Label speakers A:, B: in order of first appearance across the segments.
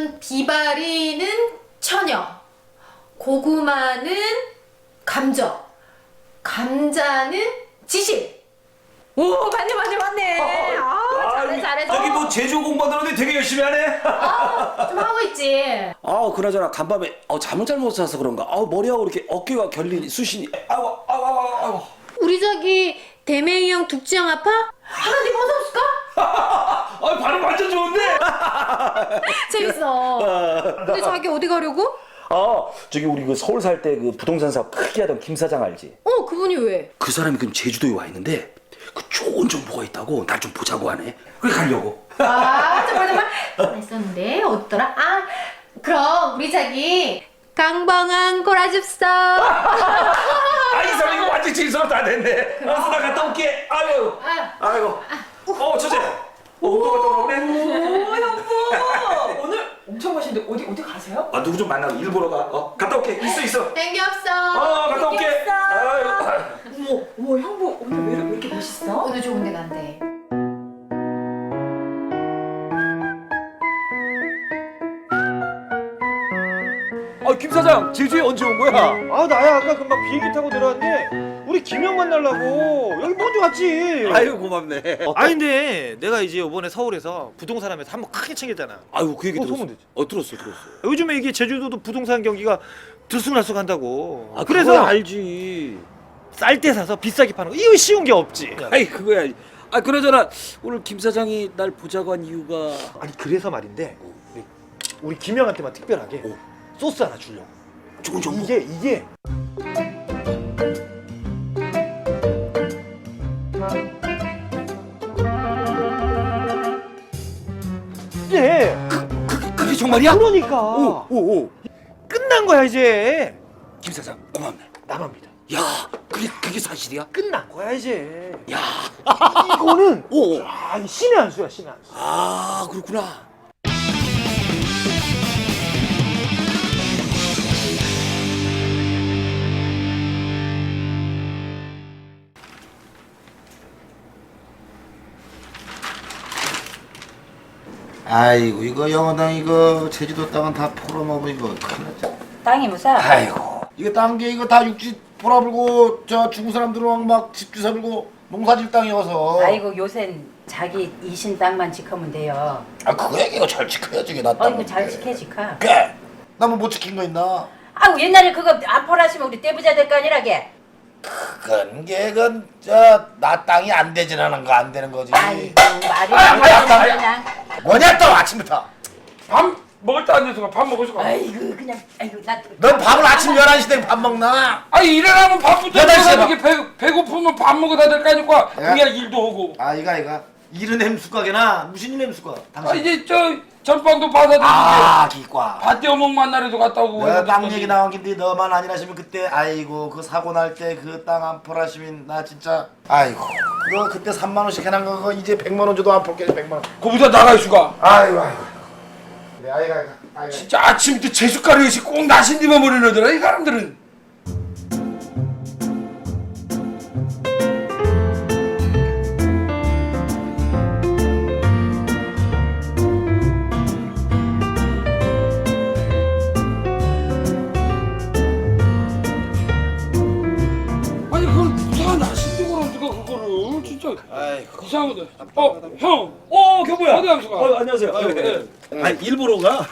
A: 비바리는 처녀, 고구마는 감저, 감자는 지실. 오, 맞네. 잘해.
B: 저기 뭐 제주 공부하는데 되게 열심히 하네.
A: 좀 하고 있지.
B: 그나저나 간밤에 잠을 잘못 자서 그런가. 머리하고 이렇게 어깨가 결린 수신이. 아이고.
A: 우리 저기 대맹이 형, 둑지 형 아파? 하나님 어서 없을까?
B: 발음 완전 좋은데.
A: 재밌어. 근데 자기 어디 가려고?
B: 저기 우리 그 서울 살 때 그 부동산 사업 크게 하던 김 사장 알지?
A: 그분이 왜?
B: 그 사람이 그럼 제주도에 와 있는데 그 좋은 정보가 있다고 날 좀 보자고 하네. 그래 가려고.
A: 정말 있었는데 어디더라? 그럼 우리 자기 강방한 골아줍소.
B: 이 사람 이거 완전 진서로 다 됐네. 알았어, 나 갔다 올게. 아이고. 처제. 운동 갔다 오라고 그래?
C: 오, 형부! 오늘 엄청 맛있는데 어디 가세요?
B: 누구 좀 만나고 일 보러 가. 갔다 올게. 있어.
A: 땡겨 없어.
B: 갔다 올게.
C: 어머, 형부 오늘 왜 이렇게 멋있어?
A: 오늘 좋은 데 간대.
D: 김 사장 제주에 언제 온 거야? 나야 아까 금방 비행기 타고 내려왔는데 우리 김형 만나려고 여기 먼저 왔지.
B: 아유 고맙네.
D: 근데 내가 이제 이번에 서울에서 부동산 하면서 한번 크게 챙겼잖아.
B: 아유 그 얘기 들었어.
D: 소문 되지.
B: 들었어.
D: 요즘에 이게 제주도도 부동산 경기가 들쑥날쑥한다고.
B: 그래서
D: 그래서
B: 알지.
D: 쌀 때 사서 비싸게 파는 거 이거 쉬운 게 없지.
B: 그거야. 그나저나 오늘 김 사장이 날 보자고 한 이유가.
D: 그래서 말인데 우리 김형한테만 특별하게 소스 하나 주려고.
B: 좋은 정보.
D: 이게
B: 그게 정말이야?
D: 그러니까
B: 오.
D: 끝난 거야 이제.
B: 김 사장 고맙네.
D: 나만 믿어.
B: 야, 그게 사실이야?
D: 끝난 거야 이제.
B: 야,
D: 이거는
B: 오.
D: 신의 한 수야, 신의 한 수.
B: 그렇구나.
E: 아이고 이거 영어당 이거 제주도 땅은 다 팔아먹어 이거 큰일 났죠.
F: 땅이 무사?
E: 아이고 이거 딴 게 이거 다 육지 팔아불고 저 중국 사람들은 막 집주 사불고 농사질 땅이어서.
F: 아이고 요샌 자기 이신 땅만 지키면 돼요.
E: 그 얘기가 잘 지켜야지 이게 나 땅.
F: 이거 잘 지켜 지켜.
E: 그래 나뭐 못 지킨 거 있나?
F: 아우 옛날에 그거 안 팔았으면 우리 떼부자 될 거 아니라게.
E: 그건 저나 땅이 안 되지라는 거 안 되는 거지.
F: 아이고 말이 안 되는 그냥.
E: 뭐냐 또 아침부터.
G: 밥 먹을 때 앉아서 밥 먹을 수가 없어.
F: 아이고 그냥 아이고 나.
E: 넌 밥을 아침 11시 되면 밥 먹나?
G: 일어나면 밥부터
E: 여덟 시에
G: 먹어야 되게 배고프면 밥 먹어야 될 거 아니까 그냥 일도 하고.
E: 이가 일은 햄수가게나 무슨 일 햄수가? 당신.
G: 이제 전빵도 받아들이지.
E: 기과.
G: 밭 떼어먹 만나래도 갔다 오고.
E: 내가 땅 얘기 나온 긴데 너만 아니라시면 그때 아이고 그 사고 날 때 그 땅 안 팔았으면 나 진짜 아이고 그거 그때 3만 원씩 해놓은 거 그거 이제 100만 원 줘도 안 팔게 100만 원.
G: 거기서 나갈 수가.
E: 아이고. 네, 아이가.
G: 진짜 아침부터 제숟가락이 꼭 나신디만 버리너더라 이 사람들은. 그걸 누가 나신디 그럼 누가 그거를 진짜. 이상하다. 형.
B: 경보야.
G: 어디 감수가?
B: 안녕하세요.
G: 네.
B: 일 보러 가?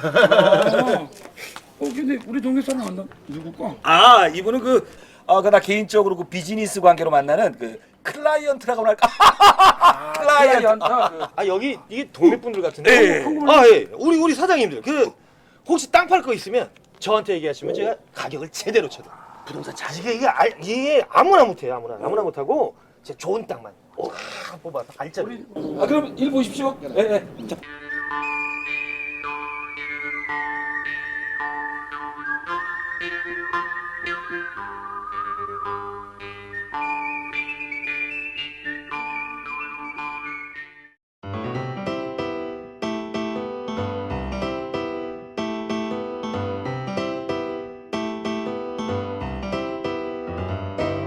G: 근데 우리 동네 사람 안 나. 누굴까?
B: 이분은 나 개인적으로 그 비즈니스 관계로 만나는 그 클라이언트라고 할까? 클라이언트.
D: 여기 이게 동네 분들 같은데.
B: 예.
D: 예. 우리 사장님들 혹시 땅 팔 거 있으면 저한테 얘기하시면 제가 가격을 제대로 쳐도. 부동산 잘 이게 아무나 못해요. 아무나 못하고 진짜 좋은 땅만 뽑아서 알짜로.
G: 그럼 일 보십시오. 예. 자.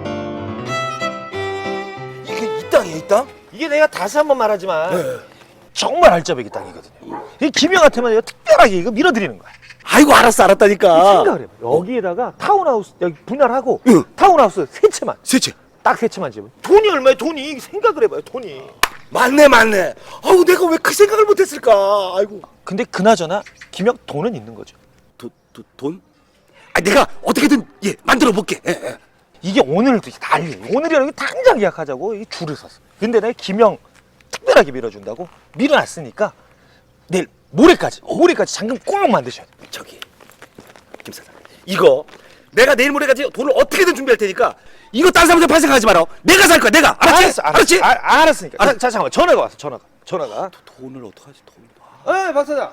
D: 이게 이 땅이야 이 땅? 이게 내가 다시 한번 말하지만 정말 알짜배기 땅이거든요. 이 김영한테만 이거 특별하게 이거 밀어드리는 거야.
G: 아이고 알았어 알았다니까.
D: 생각을 해봐. 여기에다가 타운하우스 여기 분할하고
G: 응.
D: 타운하우스 세 채만
G: 세채.
D: 딱 세 채만 지으면 돈이 얼마야 돈이. 생각을 해봐요 돈이.
G: 맞네. 아우 내가 왜 그 생각을 못했을까. 아이고.
D: 근데 그나저나 김영 돈은 있는 거죠.
G: 돈? 아 내가 어떻게든 만들어 볼게. 예.
D: 이게 오늘도 난리. 오늘이라는 게 당장 예약하자고 이 줄을 섰어. 근데 내가 김영 특별하게 밀어준다고 밀어놨으니까 내일 모레까지 잔금 꼭 만드셔야 돼.
G: 저기 김 사장 이거 내가 내일 모레까지 돈을 어떻게든 준비할 테니까 이거 딴 사람한테 팔 생각하지 마라. 내가 살 거야 내가. 알았지?
D: 알았으니까.
G: 알았-
D: 잠깐만 전화가 왔어. 전화가.
G: 돈을 어떡하지 돈을.
D: 박 사장.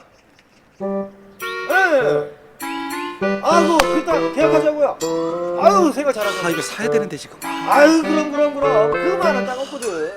D: 아이고 그땅 계약하자고요. 아유 생각 잘하셨네.
G: 아 이거 사야 되는데 지금.
D: 아유 그럼 그만한 땅 없거든.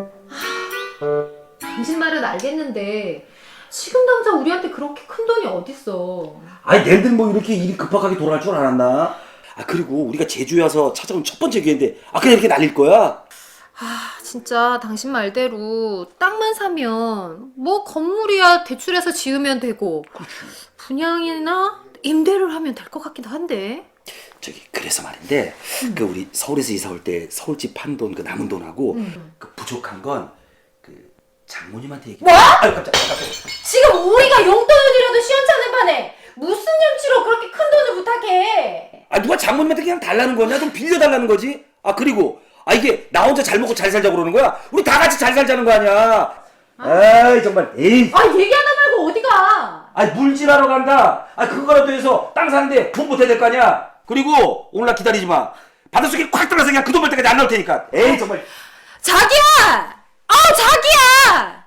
A: 당신 말은 알겠는데 지금 당장 우리한테 그렇게 큰 돈이 어딨어.
B: 아니 내들 뭐 이렇게 일이 급박하게 돌아갈 줄 알았나? 아 그리고 우리가 제주에 와서 찾아온 첫 번째 기회인데 그냥 이렇게 날릴 거야?
A: 아 진짜 당신 말대로 땅만 사면 뭐 건물이야 대출해서 지으면 되고 분양이나 임대를 하면 될 것 같기도 한데.
B: 저기 그래서 말인데 그 우리 서울에서 이사 올 때 서울집 판 돈 그 남은 돈하고 그 부족한 건 그 장모님한테 얘기.
A: 뭐?
B: 아유 깜짝이야.
A: 지금 우리가 용돈이라도 시원찮은 판에 무슨 염치로 그렇게 큰 돈을 부탁해.
B: 아 누가 장모님한테 그냥 달라는 거냐? 좀 빌려달라는 거지? 아 그리고 이게 나 혼자 잘 먹고 잘 살자고 그러는 거야? 우리 다 같이 잘 살자는 거 아니야? 아이 정말 에이.
A: 아 얘기하다 말고 어디 가.
B: 아 물질하러 간다. 아 그거라도 해서 땅 사는데 돈 보태야 될 거 아니야? 그리고 오늘날 기다리지 마. 바닷속에 콱 들어가서 그냥 그 돈 벌 때까지 안 나올 테니까. 에이 정말.
A: 자기야! 자기야!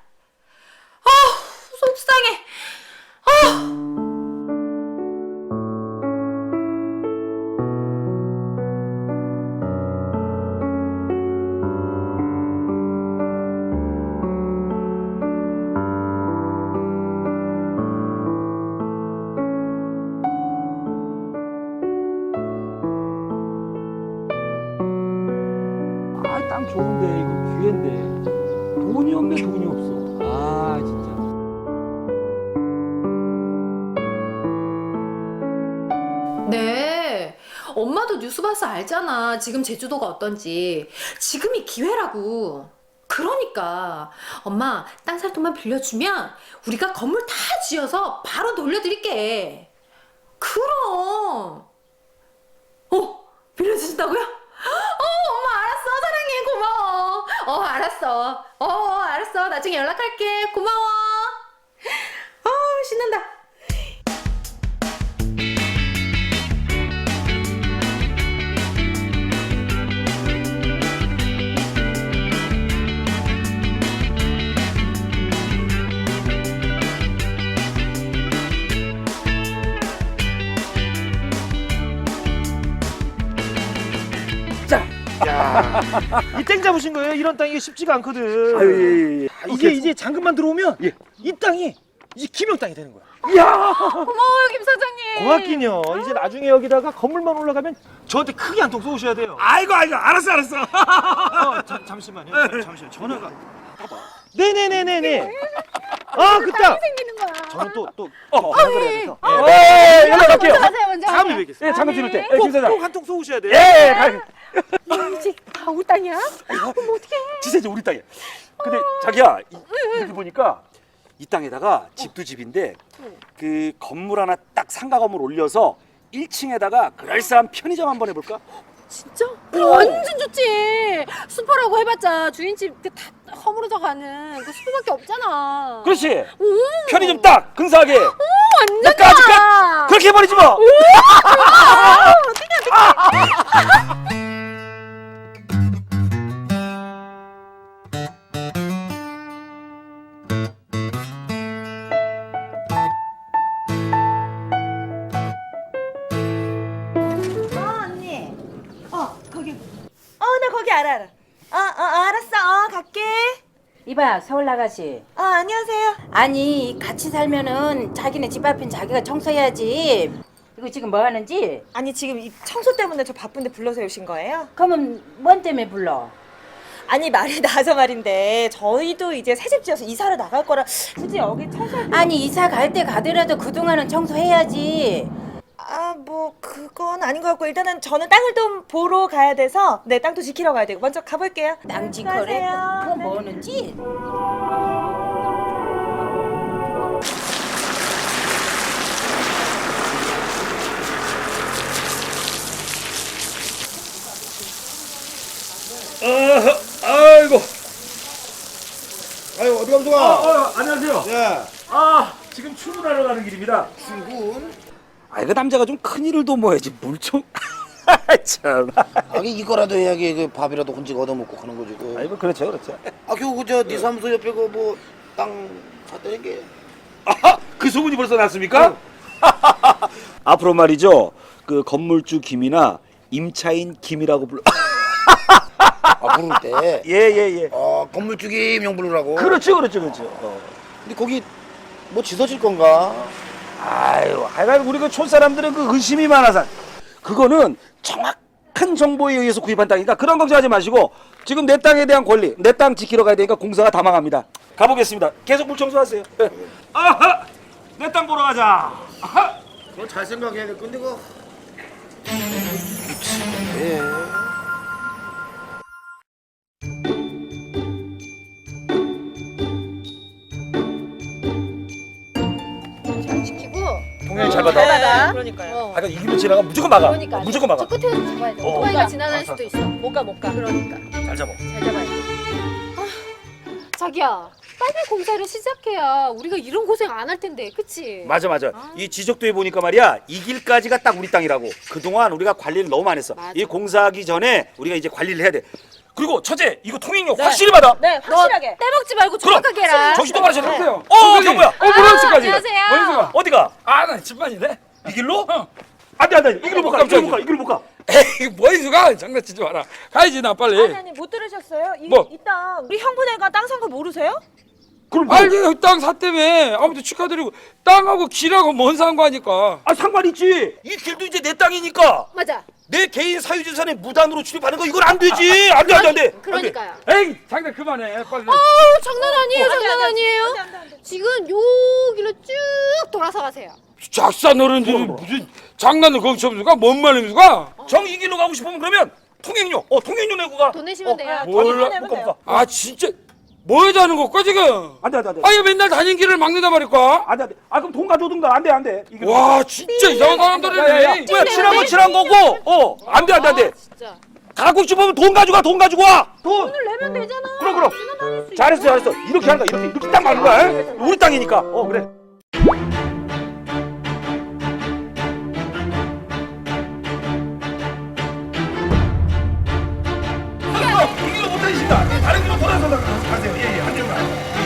A: 속상해.
B: 아 땅 좋은데 이거 기회인데 돈이 없네 돈이 없어. 아 진짜.
A: 네. 엄마도 뉴스 봐서 알잖아. 지금 제주도가 어떤지. 지금이 기회라고. 그러니까 엄마 땅 살 돈만 빌려주면 우리가 건물 다 지어서 바로 돌려드릴게. 그럼. 빌려주신다고요? 엄마 알았어. 사랑해. 고마워. 알았어. 알았어. 나중에 연락할게. 고마워. 신난다.
D: 이 땡 잡으신 거예요? 이런 땅이 쉽지가 않거든.
G: 아유
D: 이제 잔금만 들어오면 이 땅이 이제 김영 땅이 되는 거야.
A: 고마워요, 김 사장님.
D: 고맙긴요. 이제 나중에 여기다가 건물만 올라가면 저한테 크게 한 통 쏘셔야 돼요.
G: 아이고 알았어.
D: 잠시만요. 잠시만 전화가. 네네네네네. 그 땅.
A: 생기는 거야.
D: 저는 또 연락을 해야 돼서.
G: 연락할게요.
A: 가세요, 먼저.
D: 다음에 뵙겠습니다.
G: 예 잠깐 들을 때. 김 사장.
D: 꼭 한 통 쏘셔야 돼요.
A: 이제 다 우리 땅이야?
G: 진짜 이제 우리 땅이야. 근데 자기야 이렇게 보니까 이 땅에다가 집도 집인데 그 건물 하나 딱 상가 건물 올려서 1층에다가 그럴싸한 편의점 한번 해볼까?
A: 진짜? 완전 좋지. 슈퍼라고 해봤자 주인집 다 허물어져 가는 그 슈퍼밖에 없잖아.
G: 그렇지. 편의점 딱 근사하게.
A: 완전
G: 까짓
A: 좋아.
G: 그렇게 해버리지 뭐.
C: 언니. 거기. 나 거기 알아. 알았어. 갈게.
F: 이봐 서울 나가시.
C: 안녕하세요.
F: 아니 같이 살면은 자기네 집 앞엔 자기가 청소해야지. 이거 지금 뭐 하는지?
C: 아니 지금 이 청소 때문에 저 바쁜데 불러서 오신 거예요?
F: 그러면 뭔 때문에 불러?
C: 아니 말이 나서 말인데 저희도 이제 새집 지어서 이사를 나갈 거라 굳이 여기 청소할
F: 아니 이사 갈 때 가더라도 그동안은 청소해야지.
C: 뭐 그건 아닌 것 같고 일단은 저는 땅을 좀 보러 가야 돼서 네 땅도 지키러 가야 되고 먼저 가볼게요.
F: 땅 지커래.
C: 수고하세요.
F: 뭐 뭐는지.
G: 아이고.
E: 아유 어디 감독아?
G: 안녕하세요.
E: 예.
G: 지금 출근하러 가는 길입니다.
E: 출근?
G: 그 남자가 좀 큰 일을 도모해야지 물 좀. 참.
E: 이거라도 해야지 그 밥이라도 혼자 얻어먹고 가는 거지. 그.
G: 아이고 그렇죠, 그렇죠.
E: 겨우 그저네 사무소 옆에 그 뭐 땅 샀다는 게.
G: 그 소문이 벌써 났습니까? 앞으로 말이죠. 그 건물주 김이나 임차인 김이라고 불러.
E: 부를 때.
G: 예예예.
E: 건물주기 명 부르라고.
G: 그렇죠.
E: 근데 거기 뭐 지서질 건가?
G: 아유, 하여간 우리 그 촌사람들은 그 의심이 많아서 그거는 정확한 정보에 의해서 구입한 땅이니까 그런 걱정하지 마시고 지금 내 땅에 대한 권리, 내 땅 지키러 가야 되니까 공사가 다 망합니다. 가보겠습니다. 계속 물 청소하세요. 아하, 내 땅 보러 가자. 아하.
E: 그거 잘 생각해야 될 건데 그거. 예.
A: 잘 지키고.
G: 동현이 잘 받아.
C: 그러니까요.
G: 하여간 이 길로 지나가 무조건 막아.
A: 그러니까
G: 무조건 막아.
A: 저 끝에서 잡아야 돼. 오토바이가 지나갈 수도 있어. 못 가. 그러니까
G: 잘 잡아.
A: 잘 잡아야 돼. 자기야, 빨리 공사를 시작해야 우리가 이런 고생 안 할 텐데, 그치?
G: 맞아. 이 지적도에 보니까 말이야 이 길까지가 딱 우리 땅이라고. 그동안 우리가 관리를 너무 안 했어.
A: 맞아.
G: 이 공사하기 전에 우리가 이제 관리를 해야 돼. 그리고 처제 이거 통행료 확실히 받아.
C: 네 확실하게.
A: 떼먹지 말고 정확하게 해라.
G: 정신 똑바로 차려.
H: 여보세요?
G: 경보야.
H: 브라운스까지.
A: 안녕하세요.
H: 어디서 가?
G: 어디가?
H: 나 집안이네.
G: 이 길로?
H: 어.
G: 안돼. 이 길로 못 가. 이 길로 못 가. 이 길로 못 가.
H: 에이, 뭐이수 가? 장난치지 마라. 가야지 나 빨리.
C: 아니 못 들으셨어요?
H: 뭐?
C: 이땅 우리 형부네가 땅 산 거 모르세요?
G: 그럼 뭐?
H: 알게 땅 샀다며. 아무튼 축하드리고 땅하고 길하고 뭔 상관이니까.
G: 상관 있지. 이 길도 이제 내 땅이니까.
A: 맞아.
G: 내 개인 사유재산에 무단으로 출입하는 거 이건 안 되지. 안 돼.
A: 그러니까요.
H: 에이, 장난 그만해. 빨리.
A: 장난 아니에요, 장난 아니에요.
C: 안 돼.
A: 지금 여기로 쭉 돌아서 가세요.
H: 작사 노른들이 무슨 장난을 거기서 하면서 뭔 말입니까?
G: 정 이 길로 가고 싶으면 그러면 통행료. 통행료 내고 가.
A: 돈 내시면 돼요.
H: 몰라.
C: 내면
G: 못 가.
H: 아 진짜 뭐 하자는 거까 지금?
G: 안 돼.
H: 아니 왜날 다닌 길을 막는단 말일까?
G: 안 돼. 그럼 돈 가져오든가. 안 돼. 이 길로.
H: 와 진짜 이상한 사람들이네.
G: 뭐야 칠한 거 칠한 거고. 안 돼.
A: 진짜.
G: 가고 싶으면 돈 가져가. 돈.
A: 돈을 내면 되잖아.
G: 그럼. 잘했어. 이렇게 하는 거야. 이렇게 딱 맞는 거야. 우리 땅이니까. 그래. 이 길로 못 다니신다. 다른 길로 돌아서 가세요. 예, 안 됩니다.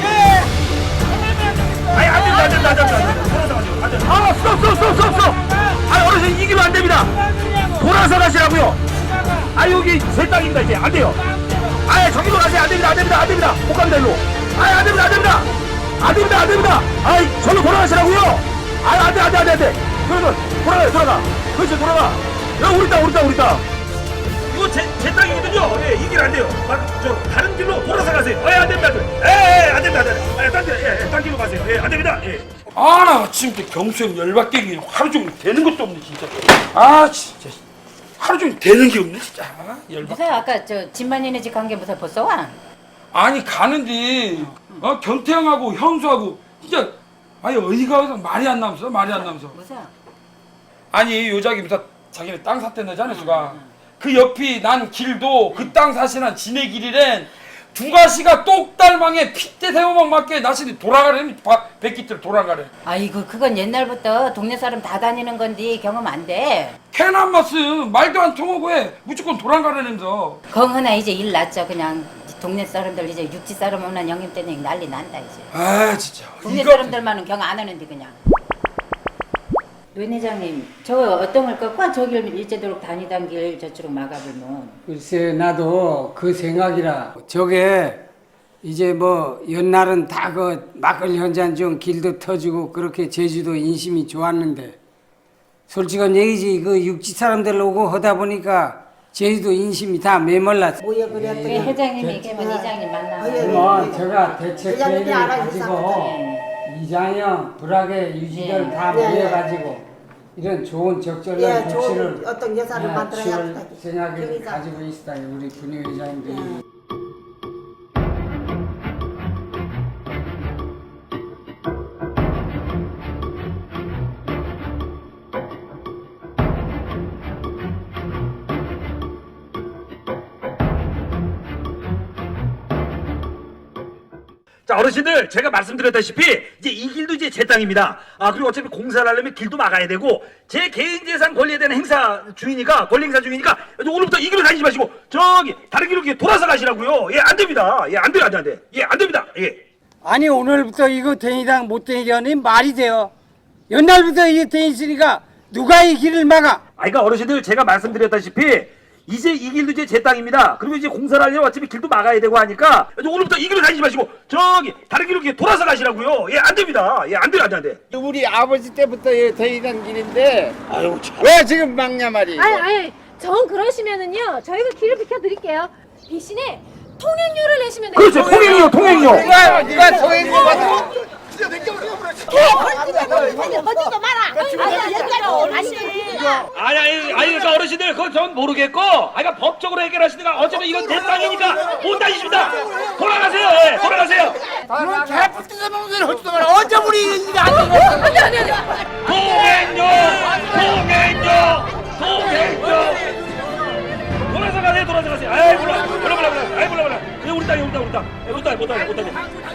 G: 아니, 안 됩니다. 돌아서 가세요. 스톱. 아니, 어르신 이 길로 안 됩니다. 돌아서 가시라고요. 여기 제 땅입니다. 이제 안 돼요. 저기로 가세요. 안 됩니다. 못 갑니다, 일로. 안 됩니다. 저로 돌아가시라고요. 안 돼. 그러면 돌아가. 그렇지, 돌아가. 여기 우리 땅. 이거 제 땅이거든요. 예, 이 길 안 돼요. 저 다른 길로 돌아서 가세요. 안 됩니다. 안 됩니다. 딴 길로 가세요. 안 됩니다.
H: 나 지금 경수형 열받게 하루 종일 되는 것도 없네 진짜. 진짜 하루 종일 되는 게 없네 진짜. 열받.
F: 무슨 아까 저 집만이네 집 간 게 무슨 벌써 와?
H: 아니 가는데 견태형하고 형수하고 진짜 어이가 없어. 말이 안 나면서.
F: 무슨?
H: 아니 요자기 무슨 자기네 땅 샀댔나잖아 수가. 그 옆이 난 길도 그 땅 사시는 지네 길이랜 두 가시가 똑달망에 핏대 세워만 맞게 나시니 돌아가래. 백기들 돌아가래.
F: 아이고 그건 옛날부터 동네 사람 다 다니는 건데 경험 안 돼.
H: 캐난 마스 말도 안 통하고 해. 무조건 돌아가라면서.
F: 건하나 이제 일 났죠. 그냥 동네 사람들 이제 육지 사람 오는 영임 때문에 난리 난다 이제.
H: 진짜.
F: 동네 사람들만은 경 안 하는데 그냥. 노인 회장님 저 어떤 걸 꺾고 저길 일제도록 다니던 길 저쪽으로 막아보면.
I: 글쎄 나도 그 생각이라. 저게 이제 뭐 옛날은 다 그 막걸리 한잔 좀 길도 터지고 그렇게 제주도 인심이 좋았는데 솔직한 얘기지 그 육지 사람들 오고 하다 보니까 제주도 인심이 다 메말랐어.
J: 뭐야 그랬더니
F: 그 회장님이 걔만 이장님 만나고
I: 그러면 제가 대책
J: 회장님이
I: 계획을
J: 알아서
I: 가지고 이장형, 불악의 유지들 다
J: 예, 예.
I: 모여가지고 이런 좋은 적절한
J: 예,
I: 조치를
J: 좋은 어떤 예산을 만들어야
I: 취할
J: 합니다.
I: 생각을
J: 그러니까.
I: 가지고 있다. 우리 분회장님들이.
G: 자, 어르신들, 제가 말씀드렸다시피 이제 이 길도 이제 제 땅입니다. 그리고 어차피 공사를 하려면 길도 막아야 되고 제 개인 재산 권리에 대한 행사 중이니까, 권리 행사 중이니까 오늘부터 이 길로 다니지 마시고 저기 다른 길로 이렇게 돌아서 가시라고요. 예, 안 됩니다. 예, 안 돼요, 안 돼. 예, 안 됩니다. 예.
I: 아니 오늘부터 이거 대니당 못 대니다니 말이 돼요. 옛날부터 이게 돼 있으니까 누가 이 길을 막아?
G: 그러니까 어르신들, 제가 말씀드렸다시피 이제 이 길도 이제 제 땅입니다. 그리고 이제 공사를 하려면 어차피 길도 막아야 되고 하니까 오늘부터 이 길로 다니지 마시고 저기 다른 길로 이렇게 돌아서 가시라고요. 예, 안 됩니다. 예, 안 돼요, 안 돼.
I: 우리 아버지 때부터 대니당 길인데
G: 아유, 참.
I: 왜 지금 막냐 말이에요.
A: 아니, 정 그러시면은요, 저희가 길을 비켜드릴게요. 대신에 통행료를 내시면 돼요.
G: 그렇죠, 통행료, 통행료.
I: 누가 통행료 받아?
J: 거짓도 마라. 얘기하고 다시.
G: 아니, 그러니까 어르신들, 그건 전 모르겠고, 그러니까 법적으로 해결하시든가, 어차피 이건 내 땅이니까 못 다니십니다. 돌아가세요, 예, 돌아가세요. 돌아서 가세요. 아이, 몰라. 그냥 우리 땅. 못 다녀.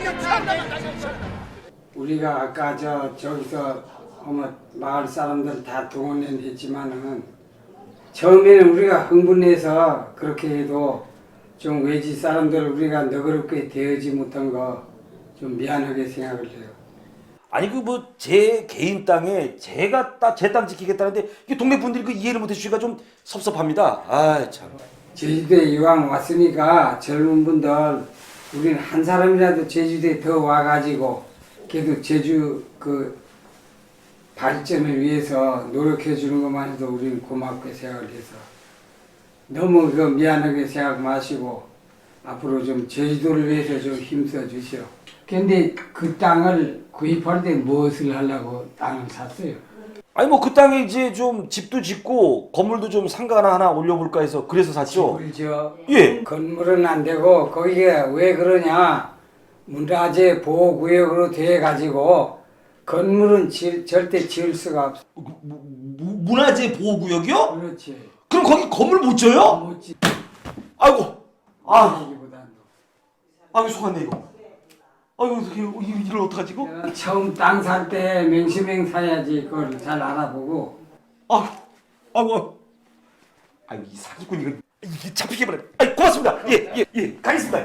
I: 우리가 아까 저기서 마을 사람들 다 동원했지만은 처음에는 우리가 흥분해서 그렇게 해도 좀 외지 사람들 우리가 너그럽게 대하지 못한 거 좀 미안하게 생각을 해요.
G: 아니 그 뭐 제 개인 땅에 제가 제 땅 지키겠다는데 이게 동네 분들이 그 이해를 못 해주시니까 좀 섭섭합니다. 아 참.
I: 제주도에 이왕 왔으니까 젊은 분들 우리는 한 사람이라도 제주도에 더 와가지고 그래도 제주 그 발전을 위해서 노력해 주는 것만 해도 우리는 고맙게 생각을 해서 너무 그 미안하게 생각 마시고 앞으로 좀 제주도를 위해서 좀 힘써 주시오. 근데 그 땅을 구입할 때 무엇을 하려고 땅을 샀어요?
G: 아니 뭐 그 땅에 이제 좀 집도 짓고 건물도 좀 상가나 하나 올려볼까 해서 그래서 샀죠.
I: 집을 지어.
G: 예.
I: 건물은 안 되고 거기에 왜 그러냐? 문화재 보호구역으로 돼 가지고 건물은 절대 지을 수가 없어.
G: 문화재 보호구역이요?
I: 그렇지.
G: 그럼 거기 건물 못 져요?
I: 못 지.
G: 아이고.
I: 보다는
G: 아이고 속았네 이거. 아이고 이걸 어떡하지 이거?
I: 처음 땅 살 때 맹시맹 사야지 그걸 잘 알아보고.
G: 아이고 이 사기꾼 이게 잡히게 버려. 아이 고맙습니다. 예 가겠습니다.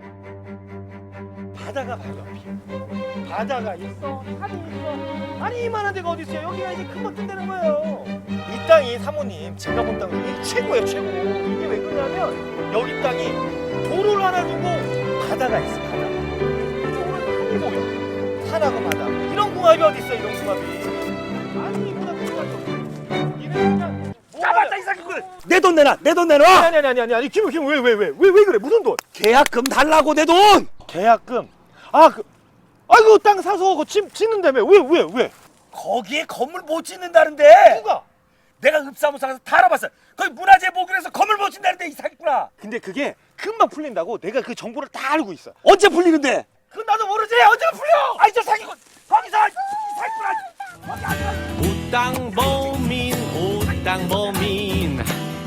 D: 바다가 바로 옆이야. 바다가 있어, 산이 있어. 아니 이만한 데가 어디 있어요? 여기가 이제 큰 것 뜬다는 거예요. 이 땅이 사모님 제가 본 땅 중에 최고예요, 최고. 이게 왜 그러냐면 여기 땅이 도로를 하나 두고 바다가 있어, 바다. 이쪽으로는 산이 보여. 산하고 바다. 이런 궁합이 어디 있어, 이런 궁합이. 아니 이보다 큰 궁합이 없어. 이는 그냥
G: 잡았다 이 사기꾼. 내 돈 내놔.
D: 아니 김 왜 그래? 무슨 돈?
G: 계약금 달라고 내 돈.
D: 계약금. 아이고 땅 사서 그거 짓는다며. 왜?
G: 거기에 건물 못 짓는다는데.
D: 누가?
G: 내가 읍사무소 가서 다 알아봤어. 거기 문화재 보기로 해서 건물 못 짓는다는데 이 사기꾼아.
D: 근데 그게 금방 풀린다고 내가 그 정보를 다 알고 있어.
G: 언제 풀리는데?
D: 그건 나도 모르지. 언제 풀려?
G: 아이 저 사기꾼 거기서 이 사기꾼아.
K: 우땅보민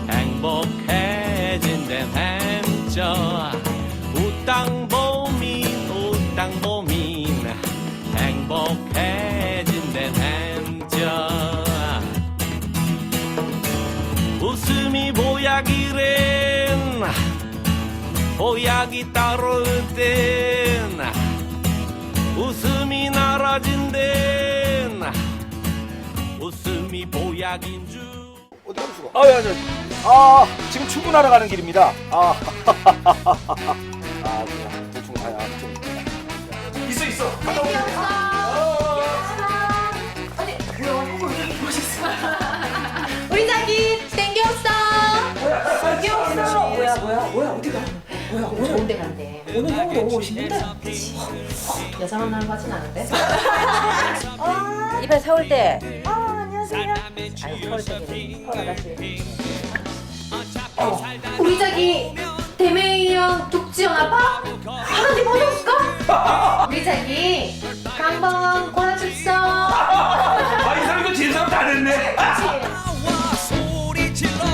K: 행복해진댄 햄쪄 우땅보민 행복해진댄 햄쪄 웃음이 보약이랜 보약이 따로 있댄 웃음이 나라진댄 웃음이 보약인 줄
G: 지금 출근하러 가는 길입니다. 대충 가야 좀. 있어. 갔다 오세요.
A: 우리 자기 땡겼어.
C: 뭐야 오늘
A: 좋은 데 간대.
C: 오늘 형이 너무 멋있는데?
A: 여자 만나는 거 같진 않은데?
F: 이번 서울 때
C: 안녕하세요.
F: 아니 서울 때 서울 아가씨
A: 우리 자기 대메이형 tuk지연아파? 하나님 어디없을까? 우리 자기 한번 골라줍소.
B: 아, 이 사람도 진 사람 다 됐네.
K: 소리 질러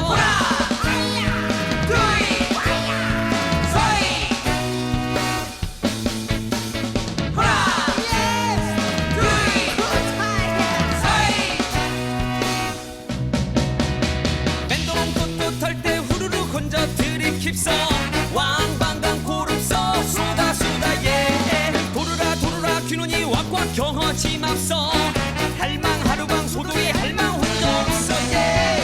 K: 밴드롱 떳떳할 때 후루룩 혼자 들이킵서 왕방강 고릅서 쏟아 예 도르라 도르라 귀눈이 왁왁 경허짐 앞서 할망 하루방 소도의 할망 혼자 없어 예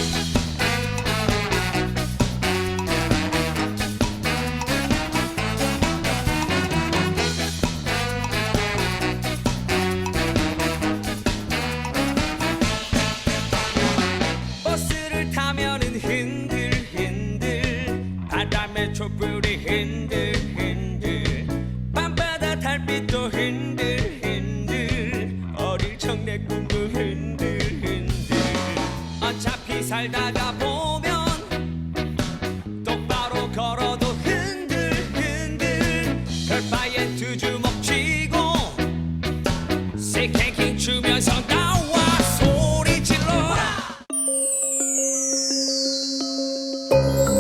K: 버스를 타면은 흔들흔들 바람에 촛불이 흔들흔들 밤바다 달빛도 흔들흔들 어릴 적 내 꿈도 흔들흔들 어차피 살다가 보면 똑바로 걸어도 흔들흔들 별바에 두 주먹 쥐고 새끼 주면서 나와 소리 질러